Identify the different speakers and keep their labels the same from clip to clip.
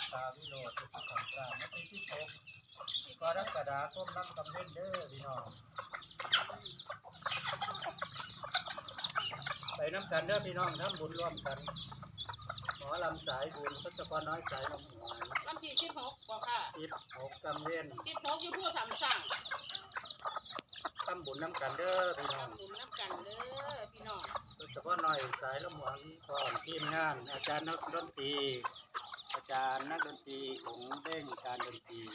Speaker 1: ตาวิโรจน์ทุกสัมสามไม่ใช่ที่พบกรกฎาคมน้ำกำเล่นเด้อพี่น้องไปน้ำกันเด้อพี่น้องทำบุญร่วมกันหมอลำสายบุญทศพรน้อยสายลำหวาน
Speaker 2: วันที่16บ่ค่ะ
Speaker 1: 16กำเล่น
Speaker 2: 16อยู่ผู้ทำสั่ง
Speaker 1: ทำบุญน้ำกันเด้อพี่น้อง
Speaker 2: ทำบุญน้ำกันเด้อพี่น้อง
Speaker 1: ทศพรน้อยสายลำหวานก่อนทีมงานอาจารย์นักดนตรีอาจารย์นักดนตรีของเด้งการดนตรี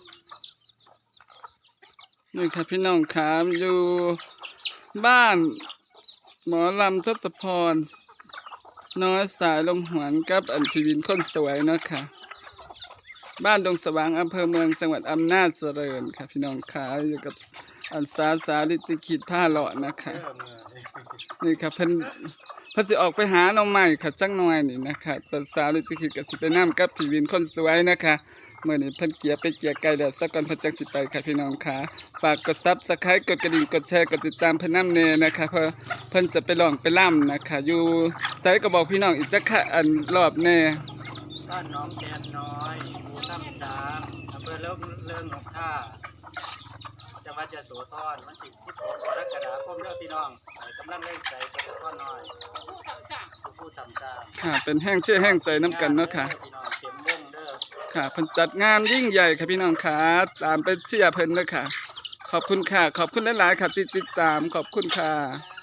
Speaker 3: นี่ค่ะพี่น้องครับอยู่บ้านหมอลำทศพรน้อยสายลมหวนกับอันพิวินคนสวยเนาะค่ะบ้านดงสว่างอำเภอเมืองจังหวัดอำนาจเจริญค่ะพี่น้องค่ะอยู่กับอันสาลิติขิตผ้าเลาะนะคะนี่ค่ะเพิ่นสิออกไปหาหน่อไม้ค่ะจังหน่อยนี่นะคะแต่สาลิติขิตก็สิไปนำกับพิวินคนสวยนะคะเมื่อนี้เพิ่นเกียไก่แล้วสักก่อนเพิ่นจักสิไปค่ะพี่น้องค่ะฝากกด Subscribe กดกระดิ่งกดแชร์กดติดตามเพิ่นนำแน่นะคะเพราะเพิ่นจะไปร้องไปร่ำนะคะอยู่ไสก็บอกพี่น้องอีกจักค่ะอันรอบแน่
Speaker 1: บ้านน้องแกนน้อยหมู่ถ้ำช้างอำเภอเลิงหนองท่าจังหวัดยโสธรวันที่16กรกฎาคมเด้อพี่น้องกำลังเล่นใจกระต้อนน้อย
Speaker 2: ผู้ทำสั่ง
Speaker 1: ผู้ทำช้าง
Speaker 3: ค่ะเป็นแห้งเชื่อแห้งใจน้ำกันเนาะค่ะ
Speaker 1: พี่น้องเข็มวงเด้อ
Speaker 3: ค่ะเพิ่นจัดงานยิ่งใหญ่ค่ะพี่น้องค่ะตามไปเชียร์เพิ่นเด้อค่ะขอบคุณค่ะขอบคุณหลายๆค่ะที่ติดตามขอบคุณค่ะ